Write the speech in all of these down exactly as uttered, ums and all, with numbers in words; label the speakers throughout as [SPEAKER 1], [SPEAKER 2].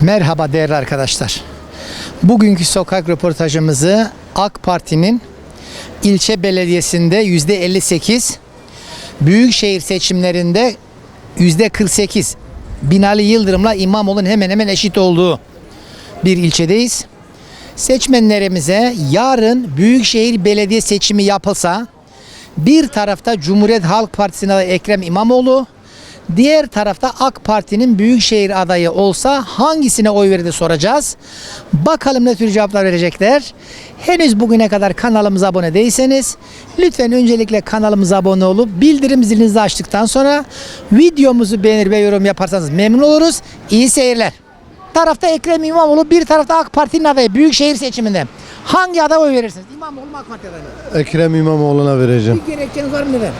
[SPEAKER 1] Merhaba değerli arkadaşlar. Bugünkü sokak röportajımızı AK Parti'nin ilçe belediyesinde yüzde elli sekiz, büyükşehir seçimlerinde yüzde kırk sekiz Binali Yıldırım'la İmamoğlu'nun hemen hemen eşit olduğu bir ilçedeyiz. Seçmenlerimize yarın büyükşehir belediye seçimi yapılsa bir tarafta Cumhuriyet Halk Partisi'nin adayı Ekrem İmamoğlu, diğer tarafta AK Parti'nin büyükşehir adayı olsa hangisine oy verir soracağız. Bakalım ne tür cevaplar verecekler. Henüz bugüne kadar kanalımıza abone değilseniz lütfen öncelikle kanalımıza abone olup bildirim zilinizi açtıktan sonra videomuzu beğenir ve yorum yaparsanız memnun oluruz. İyi seyirler. Bir tarafta Ekrem İmamoğlu, bir tarafta AK Parti'nin adayı büyükşehir seçiminde. Hangi adaya oy verirsiniz? İmamoğlu mu AK Parti adayı mı?
[SPEAKER 2] Ekrem İmamoğlu'na vereceğim.
[SPEAKER 1] Bir gerekçeniz var mı neden?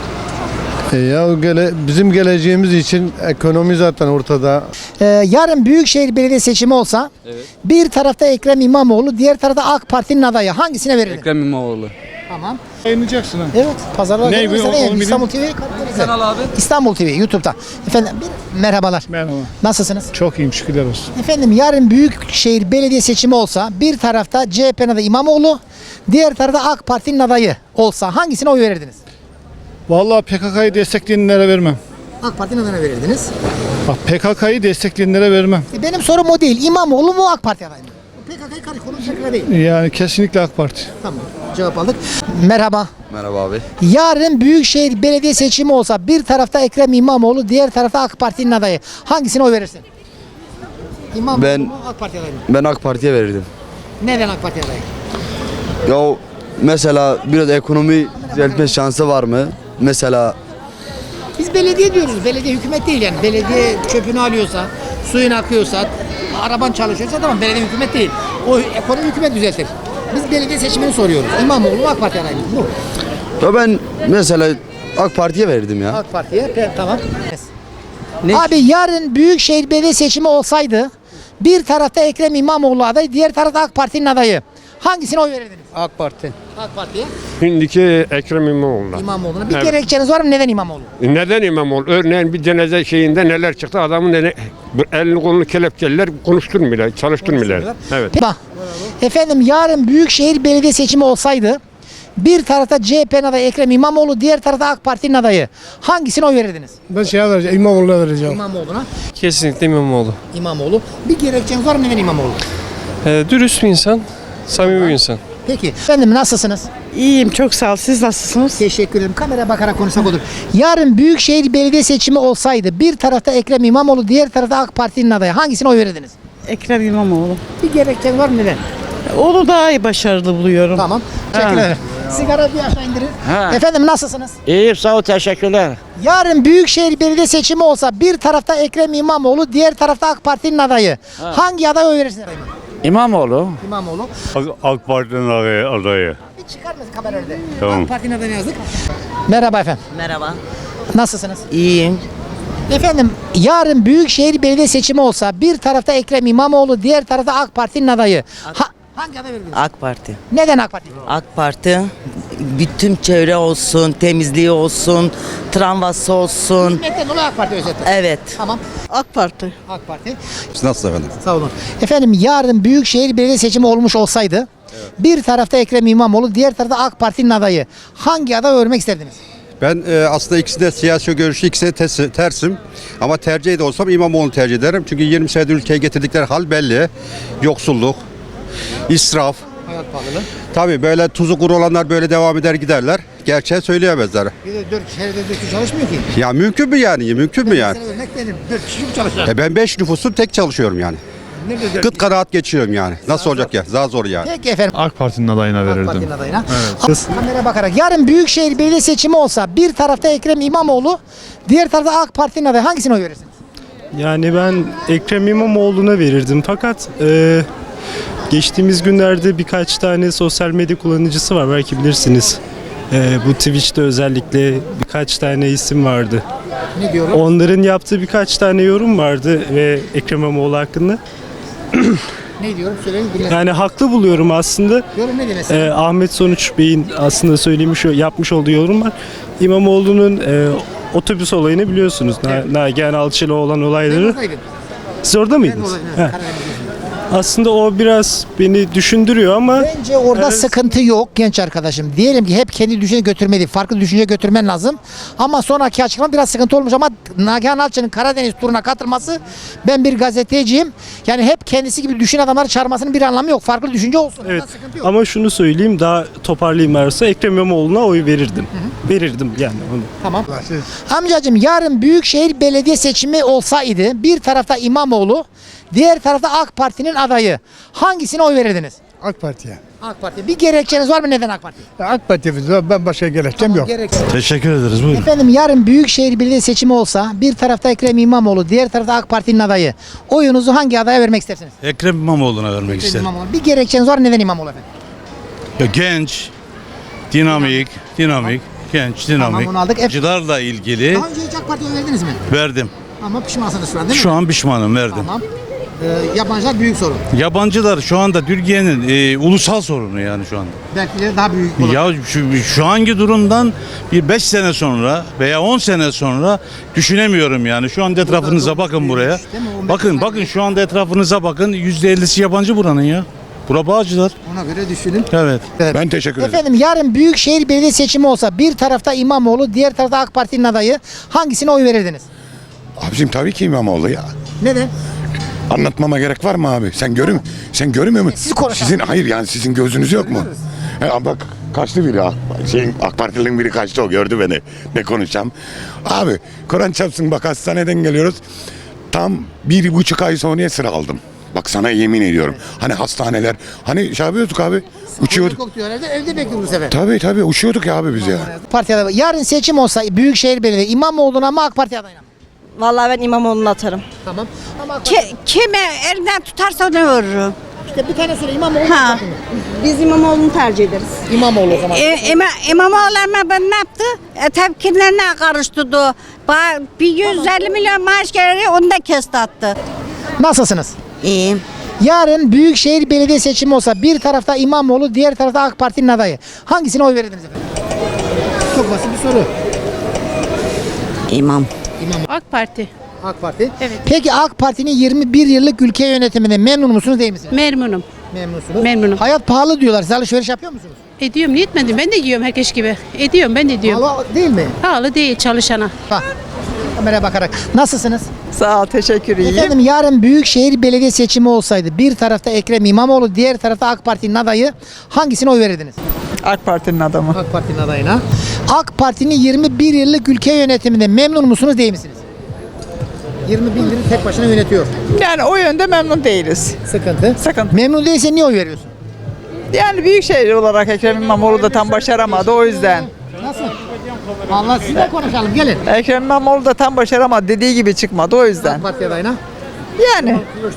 [SPEAKER 2] E ya gele, bizim geleceğimiz için ekonomi zaten ortada.
[SPEAKER 1] Ee, yarın büyükşehir belediye seçimi olsa
[SPEAKER 3] Evet.
[SPEAKER 1] bir tarafta Ekrem İmamoğlu, diğer tarafta AK Parti'nin adayı. Hangisine verirdin?
[SPEAKER 3] Ekrem İmamoğlu.
[SPEAKER 1] Tamam.
[SPEAKER 4] Yayınlayacaksın ha.
[SPEAKER 1] Evet. Pazarlar
[SPEAKER 4] Ne
[SPEAKER 1] günü
[SPEAKER 4] bu?
[SPEAKER 1] izleyin.
[SPEAKER 4] Onu
[SPEAKER 1] İstanbul T V.
[SPEAKER 3] Kanal abi.
[SPEAKER 1] İstanbul T V YouTube'da. Efendim bir, merhabalar.
[SPEAKER 4] Merhaba.
[SPEAKER 1] Nasılsınız?
[SPEAKER 4] Çok iyiyim, şükürler olsun.
[SPEAKER 1] Efendim yarın büyükşehir belediye seçimi olsa bir tarafta C H P'nin adayı İmamoğlu, diğer tarafta AK Parti'nin adayı olsa hangisine oy verirdiniz?
[SPEAKER 4] Vallahi P K K'yı destekleyenlere vermem.
[SPEAKER 1] AK Parti'nin adayına verirdiniz.
[SPEAKER 4] Bak P K K'yı destekleyenlere vermem.
[SPEAKER 1] E, benim sorum o değil. İmamoğlu mu AK Parti adayı mı? P K K'yı karış konu P K K değil.
[SPEAKER 4] Yani kesinlikle AK Parti.
[SPEAKER 1] Tamam. Cevap aldık. Merhaba.
[SPEAKER 3] Merhaba abi.
[SPEAKER 1] Yarın büyükşehir belediye seçimi olsa bir tarafta Ekrem İmamoğlu, diğer tarafta AK Parti'nin adayı. Hangisine oy verirsin? İmamoğlu
[SPEAKER 3] Ben-
[SPEAKER 1] mu AK Parti adayı mı?
[SPEAKER 3] Ben AK Parti'ye verirdim.
[SPEAKER 1] Neden AK Parti adayı?
[SPEAKER 3] Ya mesela biraz ekonomi düzeltme şansı var mı? Mesela
[SPEAKER 1] Biz belediye diyoruz. Belediye hükümet değil yani. Belediye çöpünü alıyorsa, suyun akıyorsa, araban çalışıyorsa tamam belediye hükümet değil. O ekonomi hükümet düzeltir. Biz belediye seçimini soruyoruz. İmamoğlu mu AK Parti adayı mı? Bu.
[SPEAKER 3] ya ben mesela AK Parti'ye verirdim ya.
[SPEAKER 1] AK Parti'ye. Pe- Tamam. Abi yarın büyükşehir belediye seçimi olsaydı bir tarafta Ekrem İmamoğlu adayı, diğer tarafta AK Parti'nin adayı. Hangisine oy verirdiniz?
[SPEAKER 5] AK Parti.
[SPEAKER 1] AK Parti'ye.
[SPEAKER 6] Şimdiki Ekrem İmamoğlu'na.
[SPEAKER 1] İmamoğlu'na. Bir
[SPEAKER 6] Evet.
[SPEAKER 1] gerekçeniz var mı? Neden İmamoğlu?
[SPEAKER 6] Neden İmamoğlu? Örneğin bir cenaze şeyinde neler çıktı? Adamın eli, elini kolunu kelepçeliler, konuşturmuyorlar, çalıştırmıyorlar. Evet.
[SPEAKER 1] Bak. Efendim yarın büyükşehir belediye seçimi olsaydı bir tarafta C H P'nin adayı Ekrem İmamoğlu, diğer tarafta AK Parti'nin adayı. Hangisine oy verirdiniz?
[SPEAKER 4] Ben şeye vereceğim, İmamoğlu'na vereceğim.
[SPEAKER 1] İmamoğlu'na.
[SPEAKER 7] Kesinlikle İmamoğlu.
[SPEAKER 1] İmamoğlu. Bir gerekçeniz var mı? Neden İmamoğlu?
[SPEAKER 7] Ee, dürüst bir insan, samimi bir insan.
[SPEAKER 1] Peki. Efendim nasılsınız?
[SPEAKER 8] İyiyim, çok sağ ol. Siz nasılsınız?
[SPEAKER 1] Teşekkür ederim. Kameraya bakarak konuşsak olur. Yarın büyükşehir belediye seçimi olsaydı bir tarafta Ekrem İmamoğlu, diğer tarafta AK Parti'nin adayı. Hangisine oy verirdiniz?
[SPEAKER 8] Ekrem İmamoğlu.
[SPEAKER 1] Bir gerekçeniz var mı? Neden?
[SPEAKER 8] Onu daha iyi başarılı buluyorum.
[SPEAKER 1] Tamam. Teşekkür ederim. Sigara bir aşağı indirin. Efendim nasılsınız?
[SPEAKER 5] İyiyim, sağ ol, teşekkürler.
[SPEAKER 1] Yarın büyükşehir belediye seçimi olsa bir tarafta Ekrem İmamoğlu, diğer tarafta AK Parti'nin adayı. Hangi adaya oy verirsiniz?
[SPEAKER 5] İmamoğlu.
[SPEAKER 1] İmamoğlu.
[SPEAKER 9] AK Parti'nin adayı. adayı.
[SPEAKER 1] Bir çıkar mısın kamera önünde?
[SPEAKER 9] Tamam.
[SPEAKER 1] AK Parti'nin adayını yazdık. Merhaba efendim.
[SPEAKER 8] Merhaba.
[SPEAKER 1] Nasılsınız?
[SPEAKER 8] İyiyim.
[SPEAKER 1] Efendim yarın büyükşehir belediye seçimi olsa bir tarafta Ekrem İmamoğlu, diğer tarafta AK Parti'nin adayı. Ha, hangi aday verirdiniz?
[SPEAKER 10] AK Parti.
[SPEAKER 1] Neden AK Parti?
[SPEAKER 10] AK Parti bütün çevre olsun, temizliği olsun, tramvası olsun.
[SPEAKER 1] Hizmetten dolayı AK Parti özetle.
[SPEAKER 10] Evet.
[SPEAKER 1] Tamam.
[SPEAKER 8] AK Parti.
[SPEAKER 1] AK Parti.
[SPEAKER 9] Nasıl efendim?
[SPEAKER 1] Sağ olun. Efendim yarın büyükşehir belediye seçimi olmuş olsaydı bir tarafta Ekrem İmamoğlu, diğer tarafta AK Parti'nin adayı. Hangi aday örmek isterdiniz?
[SPEAKER 9] Ben e, aslında ikisi de siyasi görüşü ikisi de tes- tersim. Ama tercih de olsam İmamoğlu'nu tercih ederim. Çünkü yirmi senedir ülkeye getirdikleri hal belli. Yoksulluk, israf.
[SPEAKER 1] Hayat pahalılığı.
[SPEAKER 9] Tabii böyle tuzu kuru olanlar böyle devam eder giderler. Gerçeği söyleyemezler.
[SPEAKER 1] Bir de dört şehirde dört kişi çalışmıyor ki.
[SPEAKER 9] Ya mümkün mü yani? Mümkün mü yani?
[SPEAKER 1] Mesela örnek verin. Dört kişi mi çalışıyor?
[SPEAKER 9] E ben beş nüfusum tek çalışıyorum yani.
[SPEAKER 1] Nerede dört
[SPEAKER 9] Gıt kanaat geçiyorum yani. Nasıl olacak ya? Daha zor yani.
[SPEAKER 1] Peki efendim.
[SPEAKER 4] AK Parti'nin adayına
[SPEAKER 1] AK Parti'nin adayına. Evet. Kamera bakarak. Yarın büyükşehir belediye seçimi olsa bir tarafta Ekrem İmamoğlu, diğer tarafta AK Parti'nin adayı. Hangisine oy verirsiniz?
[SPEAKER 7] Yani ben Ekrem İmamoğlu'na verirdim fakat e, geçtiğimiz günlerde birkaç tane sosyal medya kullanıcısı var, belki bilirsiniz. E, bu Twitch'te özellikle birkaç tane isim vardı.
[SPEAKER 1] Ne diyorum?
[SPEAKER 7] Onların yaptığı birkaç tane yorum vardı ve Ekrem İmamoğlu hakkında.
[SPEAKER 1] Ne diyorum? Söyleyin. Dinleyin.
[SPEAKER 7] Yani haklı buluyorum aslında.
[SPEAKER 1] Yorum ne mesela?
[SPEAKER 7] E, Ahmet Sonuç Bey'in aslında söylemiş, yapmış olduğu yorum var. İmamoğlu'nun e, otobüs olayını biliyorsunuz. Na, Nagihan Alçı'yla olan olayları.
[SPEAKER 1] Memnun
[SPEAKER 7] Siz orada mıydınız? He. Aslında o biraz beni düşündürüyor ama
[SPEAKER 1] Bence orada
[SPEAKER 7] Evet.
[SPEAKER 1] sıkıntı yok genç arkadaşım. Diyelim ki hep kendi düşünce götürme değil, farklı düşünce götürmen lazım. Ama sonraki açıklama biraz sıkıntı olmuş ama Nagihan Alçı'nın Karadeniz turuna katılması, ben bir gazeteciyim. Yani hep kendisi gibi düşün adamları çağırmasının bir anlamı yok. Farklı düşünce olsun.
[SPEAKER 7] evet.
[SPEAKER 1] Ondan sıkıntı yok.
[SPEAKER 7] Ama şunu söyleyeyim, daha toparlayayım arası. Ekrem İmamoğlu'na oy verirdim. Verirdim yani onu.
[SPEAKER 1] Tamam. Amcacığım, yarın Büyükşehir Belediye seçimi olsaydı bir tarafta İmamoğlu, diğer tarafta AK Parti'nin adayı. Hangisine oy verirdiniz?
[SPEAKER 4] AK Parti'ye.
[SPEAKER 1] AK Parti. Bir gerekçeniz var mı neden AK Parti?
[SPEAKER 4] AK Parti'ye ben başka gerekçem yok.
[SPEAKER 1] Gerekçe.
[SPEAKER 4] Teşekkür ederiz. Buyurun.
[SPEAKER 1] Efendim, yarın Büyükşehir Belediye seçimi olsa bir tarafta Ekrem İmamoğlu, diğer tarafta AK Parti'nin adayı. Oyunuzu hangi adaya vermek istersiniz?
[SPEAKER 11] Ekrem İmamoğlu'na vermek
[SPEAKER 1] Ekrem
[SPEAKER 11] isterim.
[SPEAKER 1] İmamoğlu. Bir gerekçeniz var, neden İmamoğlu efendim?
[SPEAKER 11] Ya genç, dinamik, dinamik, genç, dinamik.
[SPEAKER 1] bunu aldık.
[SPEAKER 11] Acılarla ilgili
[SPEAKER 1] Daha önce hiç AK Parti'ye oy verdiniz mi?
[SPEAKER 11] verdim.
[SPEAKER 1] Ama pişmansınız şu an değil mi?
[SPEAKER 11] Şu an pişmanım, verdim.
[SPEAKER 1] Tamam. Ee, yabancılar büyük sorun.
[SPEAKER 11] Yabancılar şu anda Türkiye'nin e, ulusal sorunu yani şu anda.
[SPEAKER 1] Belki daha büyük olur.
[SPEAKER 11] Ya şu, şu anki durumdan bir beş sene sonra veya on sene sonra düşünemiyorum yani. Şu anda etrafınıza bakın buraya.
[SPEAKER 1] değil mi? O
[SPEAKER 11] Bakın
[SPEAKER 1] mekanlar
[SPEAKER 11] bakın şu anda etrafınıza bakın. yüzde ellisi yabancı buranın ya. Bura Bağcılar.
[SPEAKER 1] Ona göre düşünün.
[SPEAKER 11] Evet.
[SPEAKER 2] Ben teşekkür ederim.
[SPEAKER 1] Efendim, yarın Büyükşehir Belediye seçimi olsa bir tarafta İmamoğlu, diğer tarafta AK Parti'nin adayı. Hangisine oy verirdiniz?
[SPEAKER 2] Abicim tabii ki İmamoğlu ya.
[SPEAKER 1] Neden?
[SPEAKER 2] Anlatmama gerek var mı abi? Sen görüm sen görmüyor musun?
[SPEAKER 1] Siz konuşun.
[SPEAKER 2] Sizin hayır yani sizin gözünüz yok mu? He, bak kaçtı biri ha. Şeyin AK Partili'nin biri kaçtı, o gördü beni. Ne konuşacağım? Abi Kur'an çarpsın, bak hastaneden geliyoruz. Tam bir buçuk ay sonraya sıra aldım. Bak sana yemin ediyorum. Hani hastaneler, hani şey yapıyorduk abi. Uçuyorduk.
[SPEAKER 1] Yok diyor herhalde, evde bekliyor bu sefer.
[SPEAKER 2] Tabii tabii uçuyorduk ya abi biz ya.
[SPEAKER 1] Parti adayı. Yarın seçim olsa Büyükşehir Belediye İmamoğlu'na mı AK Parti adayına mı?
[SPEAKER 12] Vallahi ben İmamoğlu'nu atarım.
[SPEAKER 1] Tamam. Ama AK
[SPEAKER 12] Ki,
[SPEAKER 1] Parti-
[SPEAKER 12] kime elinden tutarsa onu veririm.
[SPEAKER 1] İşte bir tane söyle, İmamoğlu.
[SPEAKER 12] Ha.
[SPEAKER 1] AK Parti mi?
[SPEAKER 12] Biz İmamoğlu'nu tercih ederiz.
[SPEAKER 1] İmamoğlu o zaman.
[SPEAKER 12] E, İma, İmamoğlu ama ben ne yaptı? E, tepkilerine karıştırdı. Ba- Bir yüz elli milyon maaş geliri onu da kesti attı.
[SPEAKER 1] Nasılsınız?
[SPEAKER 10] İyiyim.
[SPEAKER 1] Yarın Büyükşehir Belediye seçimi olsa bir tarafta İmamoğlu, diğer tarafta AK Parti'nin adayı. Hangisine oy verirdiniz efendim? Çok basit bir soru.
[SPEAKER 10] İmam.
[SPEAKER 8] AK Parti.
[SPEAKER 1] AK Parti.
[SPEAKER 8] Evet.
[SPEAKER 1] Peki AK Parti'nin yirmi bir yıllık ülke yönetiminde memnun musunuz, değil misiniz?
[SPEAKER 8] Memnunum.
[SPEAKER 1] Memnunsunuz.
[SPEAKER 8] Memnunum.
[SPEAKER 1] Hayat pahalı diyorlar. Siz alışveriş yapıyor musunuz?
[SPEAKER 8] Ediyorum, niye etmedim? Ben de yiyorum herkes gibi. Ediyorum, ben de ediyorum.
[SPEAKER 1] Pahalı değil mi?
[SPEAKER 8] Pahalı değil çalışana.
[SPEAKER 1] Bak. Kameraya bakarak. Nasılsınız?
[SPEAKER 12] Sağ ol, teşekkür
[SPEAKER 1] Efendim, yarın Büyükşehir Belediye seçimi olsaydı bir tarafta Ekrem İmamoğlu, diğer tarafta AK Parti'nin adayı, hangisine oy verirdiniz?
[SPEAKER 12] AK Parti'nin adamı.
[SPEAKER 1] AK Parti'nin adayına. AK Parti'nin yirmi bir yıllık ülke yönetiminde memnun musunuz, değil misiniz? yirmi bir yılını tek başına yönetiyor.
[SPEAKER 12] Yani o yönde memnun değiliz.
[SPEAKER 1] Sıkıntı.
[SPEAKER 12] Sıkıntı.
[SPEAKER 1] Memnun değilsen niye oy veriyorsun?
[SPEAKER 12] Yani büyükşehir olarak Ekrem İmamoğlu da tam başaramadı o yüzden.
[SPEAKER 1] Nasıl? Allah, siz de konuşalım, gelin.
[SPEAKER 12] Ekrem İmamoğlu da tam başaramadı, dediği gibi çıkmadı o yüzden.
[SPEAKER 1] AK Parti adayına.
[SPEAKER 12] Yani.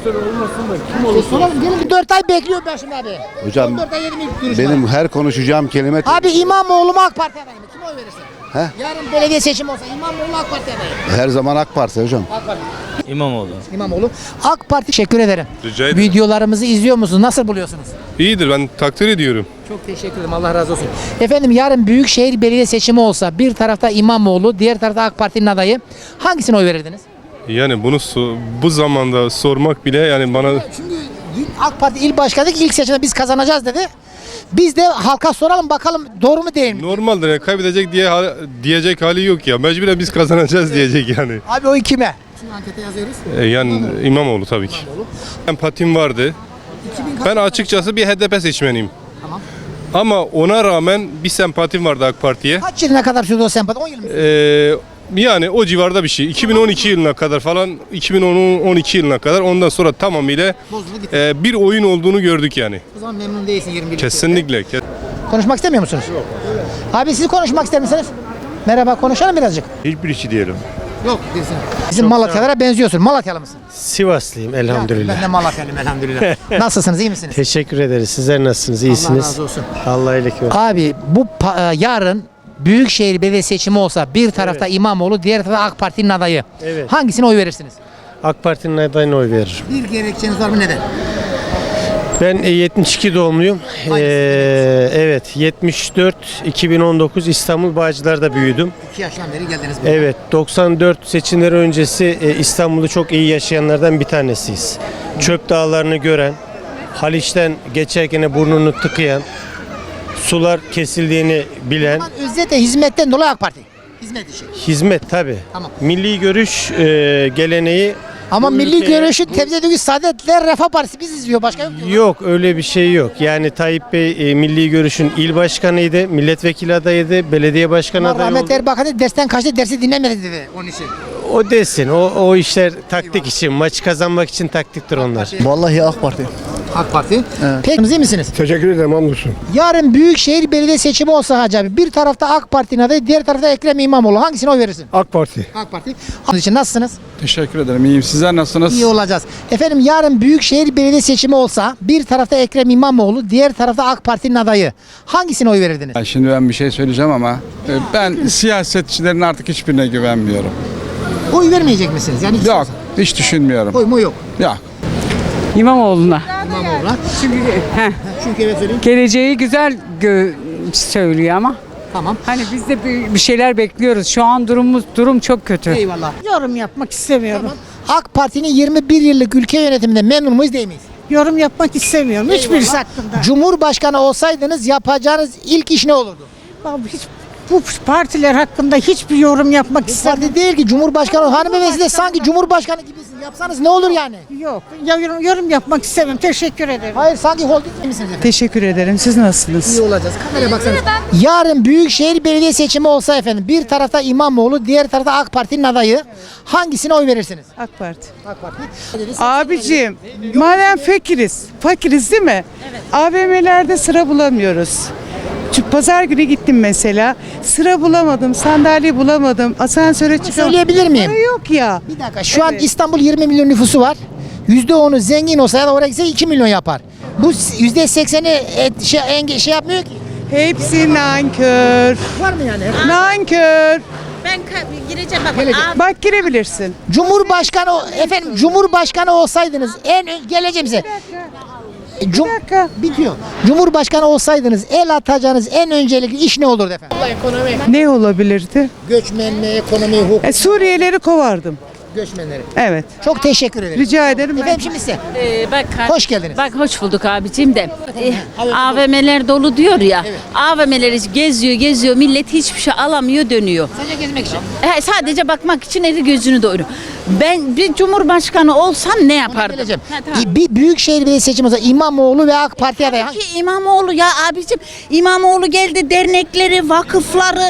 [SPEAKER 1] Soralım, gelin. dört ay bekliyor ben şimdi abi.
[SPEAKER 3] Hocam
[SPEAKER 1] dört ay yedi ilk görüşme.
[SPEAKER 3] benim her konuşacağım kelime
[SPEAKER 1] Abi, İmamoğlu mu AK Parti adayı mı? Kime oy verirsin?
[SPEAKER 3] He?
[SPEAKER 1] Yarın belediye seçimi olsa İmamoğlu, AK Parti adayı.
[SPEAKER 3] her zaman AK Parti hocam.
[SPEAKER 1] AK Parti.
[SPEAKER 11] İmamoğlu.
[SPEAKER 1] İmamoğlu. AK Parti. Teşekkür ederim.
[SPEAKER 4] Rica ederim.
[SPEAKER 1] Videolarımızı izliyor musunuz? Nasıl buluyorsunuz?
[SPEAKER 4] İyidir, ben takdir ediyorum.
[SPEAKER 1] Çok teşekkür ederim. Allah razı olsun. Efendim, yarın Büyükşehir Belediye seçimi olsa bir tarafta İmamoğlu, diğer tarafta AK Parti'nin adayı, hangisine oy verirdiniz?
[SPEAKER 4] Yani bunu so- bu zamanda sormak bile yani bana
[SPEAKER 1] Şimdi AK Parti il başkanı ilk seçimde biz kazanacağız dedi. Biz de halka soralım bakalım doğru mu değil mi?
[SPEAKER 4] normaldir yani, kaybedecek diye diyecek hali yok ya. Mecburen biz kazanacağız diyecek yani.
[SPEAKER 1] Abi, oy kime? Şimdi ankete yazıyoruz.
[SPEAKER 4] E, yani İmamoğlu tabii ki. Empatim vardı. Ben açıkçası bir H D P seçmeniyim.
[SPEAKER 1] Tamam.
[SPEAKER 4] Ama ona rağmen bir sempatim vardı AK Parti'ye.
[SPEAKER 1] Kaç yılına kadar sürdü o sempati? on yıl mı?
[SPEAKER 4] Ee, yani o civarda bir şey. iki bin on iki yılına kadar falan, iki bin on iki yılına kadar, ondan sonra tamamıyla
[SPEAKER 1] Bozuldu gitti.
[SPEAKER 4] e, bir oyun olduğunu gördük yani.
[SPEAKER 1] O zaman memnun değilsin yirmi bir.
[SPEAKER 4] Kesinlikle. Kes-
[SPEAKER 1] Konuşmak istemiyor musunuz? Yok. Abi, siz konuşmak ister misiniz? Merhaba, konuşalım birazcık.
[SPEAKER 2] Hiçbir işi diyelim.
[SPEAKER 1] Yok değilsin. Bizim Malatyalara benziyorsun. Malatyalı mısın?
[SPEAKER 5] Sivaslıyım
[SPEAKER 1] Ben de Malatyalıyım elhamdülillah. Nasılsınız, iyi misiniz?
[SPEAKER 5] Teşekkür ederiz. Sizler nasılsınız?
[SPEAKER 1] Allah razı olsun.
[SPEAKER 5] Allah iyilik versin.
[SPEAKER 1] Abi, bu pa- e, yarın Büyükşehir Belediye seçimi olsa bir tarafta İmamoğlu, diğer tarafta AK Parti'nin adayı.
[SPEAKER 5] Evet.
[SPEAKER 1] Hangisine oy verirsiniz?
[SPEAKER 5] AK Parti'nin adayına oy veririm.
[SPEAKER 1] Bir gerekçeniz var mı, neden?
[SPEAKER 5] Ben e, yetmiş iki doğumluyum. Ee, evet, yetmiş dört iki bin on dokuz İstanbul Bağcılar'da büyüdüm.
[SPEAKER 1] iki yaşından beri geldiniz buraya.
[SPEAKER 5] Evet, doksan dört seçimleri öncesi e, İstanbul'u çok iyi yaşayanlardan bir tanesiyiz. Çöp dağlarını gören, Haliç'ten geçerken burnunu tıkayan, sular kesildiğini bilen,
[SPEAKER 1] Özetle hizmetten dolayı AK Parti. Hizmet işi.
[SPEAKER 5] hizmet tabii.
[SPEAKER 1] Tamam.
[SPEAKER 5] Milli görüş e, geleneği.
[SPEAKER 1] Ama
[SPEAKER 5] bu
[SPEAKER 1] milli
[SPEAKER 5] ülkeye-
[SPEAKER 1] görüşün temsil ediyor Saadetler Refah Partisi biz izliyor başka yok. ki.
[SPEAKER 5] Yok, öyle bir şey yok. Yani Tayyip Bey e, Milli Görüş'ün il başkanıydı, milletvekili adayıydı, belediye başkanı
[SPEAKER 1] Ama
[SPEAKER 5] adayı
[SPEAKER 1] Rahmet
[SPEAKER 5] oldu.
[SPEAKER 1] Erbakan da dersten kaçtı, dersi dinlemedi dedi onun için.
[SPEAKER 5] O desin, o, o işler taktik için, maçı kazanmak için taktiktir onlar.
[SPEAKER 3] Vallahi AK Parti.
[SPEAKER 1] AK Parti. Peki iyi misiniz?
[SPEAKER 6] Teşekkür ederim hamdolsun.
[SPEAKER 1] Yarın Büyükşehir Belediye seçimi olsa Hacı abi, bir tarafta AK Parti'nin adayı, diğer tarafta Ekrem İmamoğlu. Hangisine oy verirsin?
[SPEAKER 6] AK Parti.
[SPEAKER 1] AK Parti. Onun için nasılsınız?
[SPEAKER 11] Teşekkür ederim. İyiyim. Sizler nasılsınız?
[SPEAKER 1] İyi olacağız. Efendim yarın Büyükşehir Belediye seçimi olsa bir tarafta Ekrem İmamoğlu, diğer tarafta AK Parti'nin adayı. Hangisine oy verirdiniz?
[SPEAKER 11] Şimdi ben bir şey söyleyeceğim ama e, ben siyasetçilerin artık hiçbirine güvenmiyorum.
[SPEAKER 1] Oy vermeyecek misiniz? Yani hiç
[SPEAKER 11] Yok. Hiç düşünmüyorum.
[SPEAKER 1] oy mu yok?
[SPEAKER 11] Yok.
[SPEAKER 13] İmamoğlu'na.
[SPEAKER 1] İmamoğlu'na.
[SPEAKER 13] Çünkü heh,
[SPEAKER 1] Çünkü evet söyleyeyim.
[SPEAKER 13] geleceği güzel gö- söylüyor ama.
[SPEAKER 1] Tamam.
[SPEAKER 13] Hani biz de bir, bir şeyler bekliyoruz. Şu an durumumuz durum çok kötü.
[SPEAKER 1] Eyvallah.
[SPEAKER 12] Yorum yapmak istemiyorum.
[SPEAKER 1] AK Parti'nin yirmi bir yıllık ülke yönetiminde memnun muyuz değil miyiz?
[SPEAKER 12] Yorum yapmak istemiyorum. Hiçbirisi hakkında.
[SPEAKER 1] Cumhurbaşkanı olsaydınız yapacağınız ilk iş ne olurdu?
[SPEAKER 12] Vallahi hiç, bu partiler hakkında hiçbir yorum yapmak
[SPEAKER 1] Bu
[SPEAKER 12] istemiyorum.
[SPEAKER 1] parti değil ki Cumhurbaşkanı. Hanımefendi de sanki Cumhurbaşkanı gibisin. Yapsanız ne olur yani?
[SPEAKER 12] Yok. Ya, yorum, yorum yapmak istemiyorum. Teşekkür ederim.
[SPEAKER 1] Hayır sanki holding misiniz efendim?
[SPEAKER 13] Teşekkür ederim. Siz nasılsınız?
[SPEAKER 1] İyi olacağız. Kameraya baksanız. Yarın Büyükşehir Belediye seçimi olsa efendim bir tarafta İmamoğlu, diğer tarafta AK Parti'nin adayı. Hangisine oy verirsiniz?
[SPEAKER 13] AK Parti.
[SPEAKER 1] AK Parti.
[SPEAKER 13] Abicim, madem fakiriz, fakiriz değil mi? Evet. A V M'lerde sıra bulamıyoruz. Çünkü pazar günü gittim mesela. Sıra bulamadım, sandalye bulamadım, asansöre çıkamadım.
[SPEAKER 1] Söyleyebilir miyim?
[SPEAKER 13] Para yok ya.
[SPEAKER 1] Bir dakika. Şu an
[SPEAKER 13] Evet.
[SPEAKER 1] İstanbul yirmi milyon nüfusu var. yüzde onu zengin olsa ya da oraya gitse iki milyon yapar. Bu yüzde sekseni et, şey, enge, şey yapmıyor ki.
[SPEAKER 13] Hepsi nankör.
[SPEAKER 1] Var mı yani?
[SPEAKER 13] Nankör.
[SPEAKER 8] Ben gireceğim bak.
[SPEAKER 1] Gelecek.
[SPEAKER 13] Bak girebilirsin.
[SPEAKER 1] Cumhurbaşkanı efendim Cumhurbaşkanı olsaydınız en ön- geleceğim size. E, Cum
[SPEAKER 13] dakika.
[SPEAKER 1] bitiyor. Cumhurbaşkanı olsaydınız el atacağınız en öncelikli iş ne olurdu efendim? Ekonomi,
[SPEAKER 13] Ne olabilirdi?
[SPEAKER 1] göçmenliği, ekonomi, hukuk,
[SPEAKER 13] E, Suriyelileri kovardım.
[SPEAKER 1] göçmenleri.
[SPEAKER 13] Evet.
[SPEAKER 1] Çok teşekkür ederim.
[SPEAKER 13] Rica ederim.
[SPEAKER 1] Efendim şimdi size.
[SPEAKER 8] Ee, bak,
[SPEAKER 1] Hoş geldiniz.
[SPEAKER 8] Bak hoş bulduk abicim de. Ee, A V M'ler dolu diyor ya. A V M'leri geziyor geziyor millet hiçbir şey alamıyor dönüyor.
[SPEAKER 1] Sadece gezmek için.
[SPEAKER 8] He, sadece bakmak için eli gözünü doyuruyor. Ben bir cumhurbaşkanı olsam ne yapardım?
[SPEAKER 1] Geleceğim.
[SPEAKER 8] Ha, tamam.
[SPEAKER 1] İ- Bir büyükşehir belediye seçimi olsa İmamoğlu ve AK Parti adayı. hangi-
[SPEAKER 8] Ki İmamoğlu ya abicim İmamoğlu geldi dernekleri, vakıfları,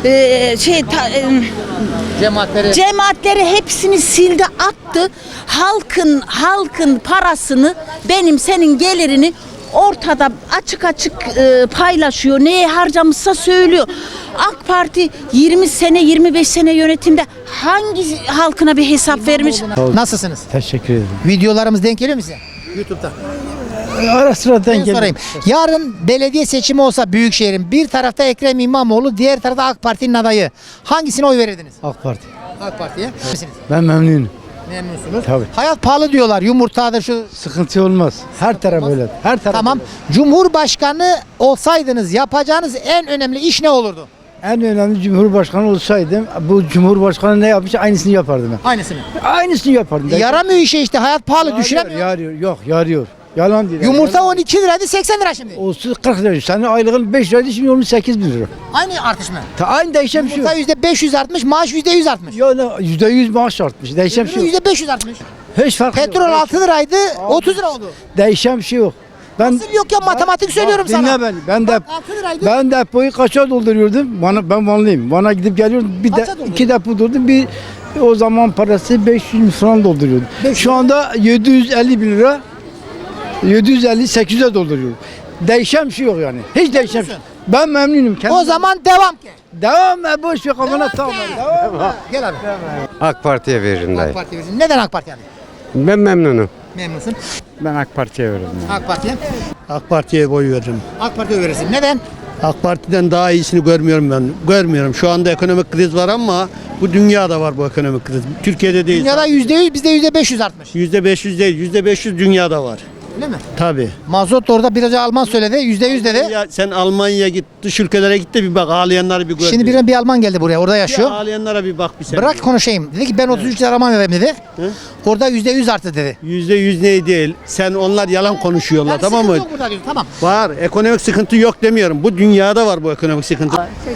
[SPEAKER 8] e, şey ta- e,
[SPEAKER 1] Cemaatleri.
[SPEAKER 8] cemaatleri hepsini sildi attı. Halkın halkın parasını benim senin gelirini ortada açık açık e, paylaşıyor. Neye harcamışsa söylüyor. AK Parti yirmi sene yirmi beş sene yönetimde hangi halkına bir hesap vermiş?
[SPEAKER 1] Nasılsınız?
[SPEAKER 5] Teşekkür ederim.
[SPEAKER 1] Videolarımız denk geliyor mu size? YouTube'da.
[SPEAKER 5] Ara sıra
[SPEAKER 1] Ben sorayım. Yarın belediye seçimi olsa Büyükşehir'in bir tarafta Ekrem İmamoğlu, diğer tarafta AK Parti'nin adayı. Hangisine oy verirdiniz?
[SPEAKER 5] AK Parti.
[SPEAKER 1] AK Parti'ye. Misiniz?
[SPEAKER 5] Ben memnunum.
[SPEAKER 1] Memnunsunuz.
[SPEAKER 5] Tabii.
[SPEAKER 1] Hayat pahalı diyorlar. Yumurtadır şu.
[SPEAKER 5] Sıkıntı olmaz. Her taraf öyle. Her taraf.
[SPEAKER 1] Tamam. Cumhurbaşkanı olsaydınız yapacağınız en önemli iş ne olurdu?
[SPEAKER 5] En önemli Cumhurbaşkanı olsaydım bu Cumhurbaşkanı ne yapmış aynısını yapardım ben.
[SPEAKER 1] Aynısını.
[SPEAKER 5] Aynısını yapardım.
[SPEAKER 1] Yaramıyor işe işte. Hayat pahalı
[SPEAKER 5] Yarıyor,
[SPEAKER 1] düşüremiyor.
[SPEAKER 5] yarıyor. Yok yarıyor. Yalan değil.
[SPEAKER 1] Yumurta on iki liraydı seksen lira şimdi.
[SPEAKER 5] Olsun kırk lira. Senin aylığın beş liraydı şimdi olmuş sekiz bin lira.
[SPEAKER 1] Aynı artış mı?
[SPEAKER 5] Ta aynı değişen bir şey yok.
[SPEAKER 1] Yumurta yüzde beş yüz artmış, maaş yüzde yüz artmış.
[SPEAKER 5] Yani yüzde yüz maaş artmış. Değişen bir şey yok.
[SPEAKER 1] Yüzde beş yüz artmış.
[SPEAKER 5] Hiç fark yok.
[SPEAKER 1] Petrol altı liraydı, otuz lira oldu.
[SPEAKER 5] Değişen bir şey yok. Ben
[SPEAKER 1] Nasıl yok ya matematik söylüyorum
[SPEAKER 5] Bak, dinle
[SPEAKER 1] sana.
[SPEAKER 5] beni. Ben de
[SPEAKER 1] Bak, altı liraydı.
[SPEAKER 5] ben depoyu kaça dolduruyordum? Bana ben Vanlıyım. Van'a gidip geliyordum. Bir de
[SPEAKER 1] Kaça dolduruyordun?
[SPEAKER 5] iki depo doldurdum. Bir o zaman parası beş yüz falan dolduruyordum.
[SPEAKER 1] beş yüz
[SPEAKER 5] Şu anda yedi yüz elli bin lira. yedi yüz elli sekiz yüze dolduruyorum. Değişen bir şey yok yani. Hiç değişen bir şey. Ben memnunum. Kendim
[SPEAKER 1] O zaman devam ki.
[SPEAKER 5] devam et boş ver kafana tamam. Devam.
[SPEAKER 1] Gel abi.
[SPEAKER 6] AK Parti'ye veririm
[SPEAKER 1] AK Parti verirsin. Neden AK Parti yani?
[SPEAKER 6] Ben memnunum.
[SPEAKER 1] Memnunsun.
[SPEAKER 6] Ben AK Parti'ye veririm.
[SPEAKER 1] AK Parti'ye.
[SPEAKER 5] AK Parti'ye boy veririm.
[SPEAKER 1] AK Parti'ye verirsin. Neden?
[SPEAKER 5] AK Parti'den daha iyisini görmüyorum ben. Görmüyorum. Şu anda ekonomik kriz var ama bu dünyada var bu ekonomik kriz. Türkiye'de değil.
[SPEAKER 1] Dünyada yüzde yüz, bizde yüzde beş yüz artmış.
[SPEAKER 5] Yüzde beş yüz değil. Yüzde beş yüz dünyada var.
[SPEAKER 1] Öyle mi?
[SPEAKER 14] Tabii.
[SPEAKER 1] Mazot da orada biraz önce Alman söyledi. Yüzde yüz dedi.
[SPEAKER 14] Ya sen Almanya'ya git, dış ülkelere git de bir bak, ağlayanları bir gör.
[SPEAKER 1] Şimdi bir, bir Alman geldi buraya. Orada yaşıyor.
[SPEAKER 14] Ya ağlayanlara bir bak bir sen.
[SPEAKER 1] Bırak konuşayım. Dedi ki ben otuz üç lira Alman vereyim dedi.
[SPEAKER 14] Hı?
[SPEAKER 1] Orada yüzde yüz arttı dedi.
[SPEAKER 14] Yüzde yüz ne değil. Sen onlar yalan konuşuyorlar,
[SPEAKER 1] Yani
[SPEAKER 14] tamam mı?
[SPEAKER 1] sıkıntı yok burada diyor, tamam.
[SPEAKER 14] Var. Ekonomik sıkıntı yok demiyorum. Bu dünyada var bu ekonomik sıkıntı.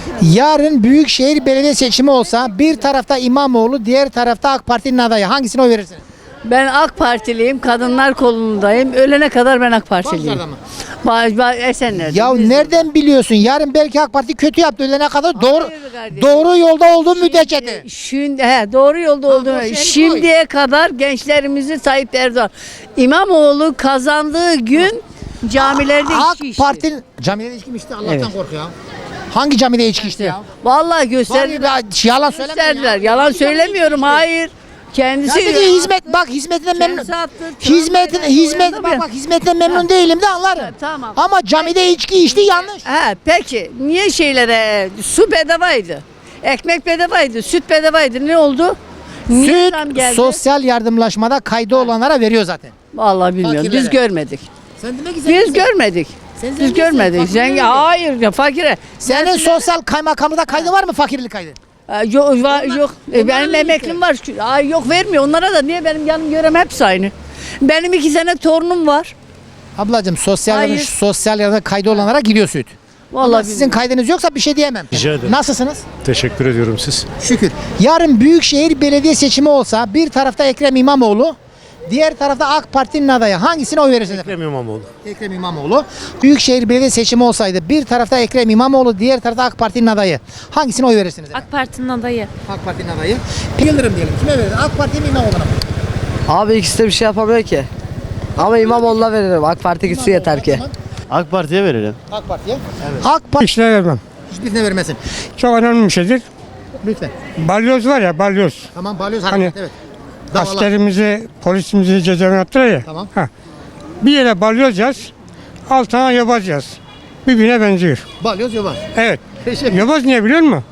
[SPEAKER 1] Yarın Büyükşehir Belediye seçimi olsa bir tarafta İmamoğlu, diğer tarafta AK Parti'nin adayı. Hangisine oy verirsiniz?
[SPEAKER 15] Ben AK Partiliyim, kadınlar kolundayım. Ölene kadar ben AK Partiliyim.
[SPEAKER 1] Bağcılar'da mı?
[SPEAKER 15] Ba ba Esenler'de.
[SPEAKER 1] Ya
[SPEAKER 15] Biz-
[SPEAKER 1] nereden biliyorsun? Yarın belki AK Parti kötü yaptı ölene kadar doğru
[SPEAKER 15] kardeşim.
[SPEAKER 1] doğru yolda olduğu müddetçe de.
[SPEAKER 15] Şimdi, he, doğru yolda olduğunu.
[SPEAKER 1] boş yere
[SPEAKER 15] Şimdiye kadar gençlerimizi Tayyip Erdoğan. İmamoğlu kazandığı gün camilerde
[SPEAKER 1] AK
[SPEAKER 15] içki içti.
[SPEAKER 1] Parti'nin camide içki mi içti? Allah'tan
[SPEAKER 15] Evet.
[SPEAKER 1] kork ya. Hangi camide içki içti ya?
[SPEAKER 15] Vallahi gösterdiler.
[SPEAKER 1] Var ya, yalan söylemeyin ya.
[SPEAKER 15] Gösterdiler. Yalan söylemiyorum. Hayır. Kendisi
[SPEAKER 1] Ya dedi hizmet bak hizmetinden memnun.
[SPEAKER 15] Kendisi attı.
[SPEAKER 1] Hizmetin
[SPEAKER 15] Trump
[SPEAKER 1] hizmet
[SPEAKER 15] beyler
[SPEAKER 1] bak
[SPEAKER 15] tabii.
[SPEAKER 1] bak hizmetten memnun değilim de anlarım.
[SPEAKER 15] Tamam.
[SPEAKER 1] Ama camide içki içti yanlış.
[SPEAKER 15] He, peki niye şeylere su bedavaydı? Ekmek bedavaydı, süt bedavaydı. Ne oldu? Niye zam
[SPEAKER 1] Süt
[SPEAKER 15] geldi?
[SPEAKER 1] sosyal yardımlaşmada kaydı olanlara veriyor zaten.
[SPEAKER 15] Vallahi bilmiyorum.
[SPEAKER 1] Fakirlere.
[SPEAKER 15] Biz görmedik.
[SPEAKER 1] Sen demek ki
[SPEAKER 15] Biz görmedik.
[SPEAKER 1] Sen
[SPEAKER 15] Biz
[SPEAKER 1] zenginsin,
[SPEAKER 15] görmedik.
[SPEAKER 1] fakir
[SPEAKER 15] Zengin,
[SPEAKER 1] değil.
[SPEAKER 15] hayır ya fakire.
[SPEAKER 1] Senin
[SPEAKER 15] Ben-
[SPEAKER 1] sosyal kaymakamlıkta kaydı var mı fakirlik kaydı?
[SPEAKER 15] Ee, Yok, va- yok. E, benim emeklim var. Ay, yok vermiyor. Onlara da niye benim yanım görem hepsi aynı. Benim iki sene torunum var.
[SPEAKER 1] Ablacığım sosyal
[SPEAKER 15] Hayır.
[SPEAKER 1] yardım, sosyal yardım kaydı olanlara gidiyor süt.
[SPEAKER 15] Vallahi
[SPEAKER 1] Ama sizin kaydınız yoksa bir şey diyemem.
[SPEAKER 5] Rica ederim.
[SPEAKER 1] Nasılsınız?
[SPEAKER 5] Teşekkür ediyorum siz.
[SPEAKER 1] Şükür. Yarın Büyükşehir Belediye seçimi olsa bir tarafta Ekrem İmamoğlu, diğer tarafta AK Parti'nin adayı. Hangisine oy verirsiniz efendim?
[SPEAKER 5] Ekrem İmamoğlu.
[SPEAKER 1] Ekrem İmamoğlu. Büyükşehir Belediye seçimi olsaydı bir tarafta Ekrem İmamoğlu, diğer tarafta AK Parti'nin adayı. Hangisine oy verirsiniz efendim?
[SPEAKER 16] AK Parti'nin adayı.
[SPEAKER 1] AK Parti'nin adayı. Yıldırım diyelim. Kime verir? AK Parti'ye mi İmamoğlu'na mı?
[SPEAKER 10] Abi ikisi de bir şey yapamıyor ki. Ama İmamoğlu'na veririm. AK Parti gitsin yeter ki.
[SPEAKER 14] AK Parti'ye verelim.
[SPEAKER 1] AK Parti'ye. AK Parti
[SPEAKER 5] İşine vermem.
[SPEAKER 1] hiçbirine vermesin.
[SPEAKER 5] Çok önemli bir şeydir.
[SPEAKER 1] Lütfen.
[SPEAKER 5] Balyoz var ya, balyoz.
[SPEAKER 1] Tamam balyoz
[SPEAKER 5] Hani
[SPEAKER 1] hareket evet. Davalar.
[SPEAKER 5] Askerimizi, polisimizi cezaevine attırıyor ya.
[SPEAKER 1] Tamam.
[SPEAKER 5] Ha. Bir yere balyoz yaz, altına yobaz yaz. Birbirine benziyor.
[SPEAKER 1] Balyoz yobaz.
[SPEAKER 5] Evet.
[SPEAKER 1] Teşekkür
[SPEAKER 5] Yobaz niye biliyor musun?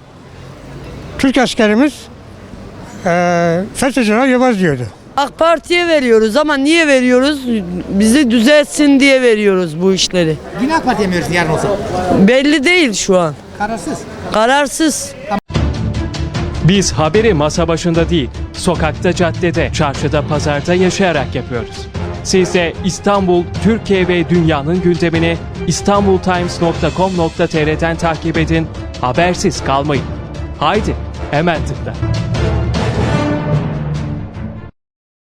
[SPEAKER 5] Türk askerimiz eee FETÖ'cüler yobaz diyordu.
[SPEAKER 10] AK Parti'ye veriyoruz ama niye veriyoruz? Bizi düzeltsin diye veriyoruz bu işleri.
[SPEAKER 1] Yine AK Parti'ye mi verirsin yarın olsa?
[SPEAKER 10] Belli değil şu an.
[SPEAKER 1] Kararsız.
[SPEAKER 10] Kararsız.
[SPEAKER 17] Biz haberi masa başında değil, sokakta, caddede, çarşıda, pazarda yaşayarak yapıyoruz. Siz de İstanbul, Türkiye ve dünyanın gündemini istanbultimes nokta com nokta tr'den takip edin, habersiz kalmayın. Haydi, hemen tıkla.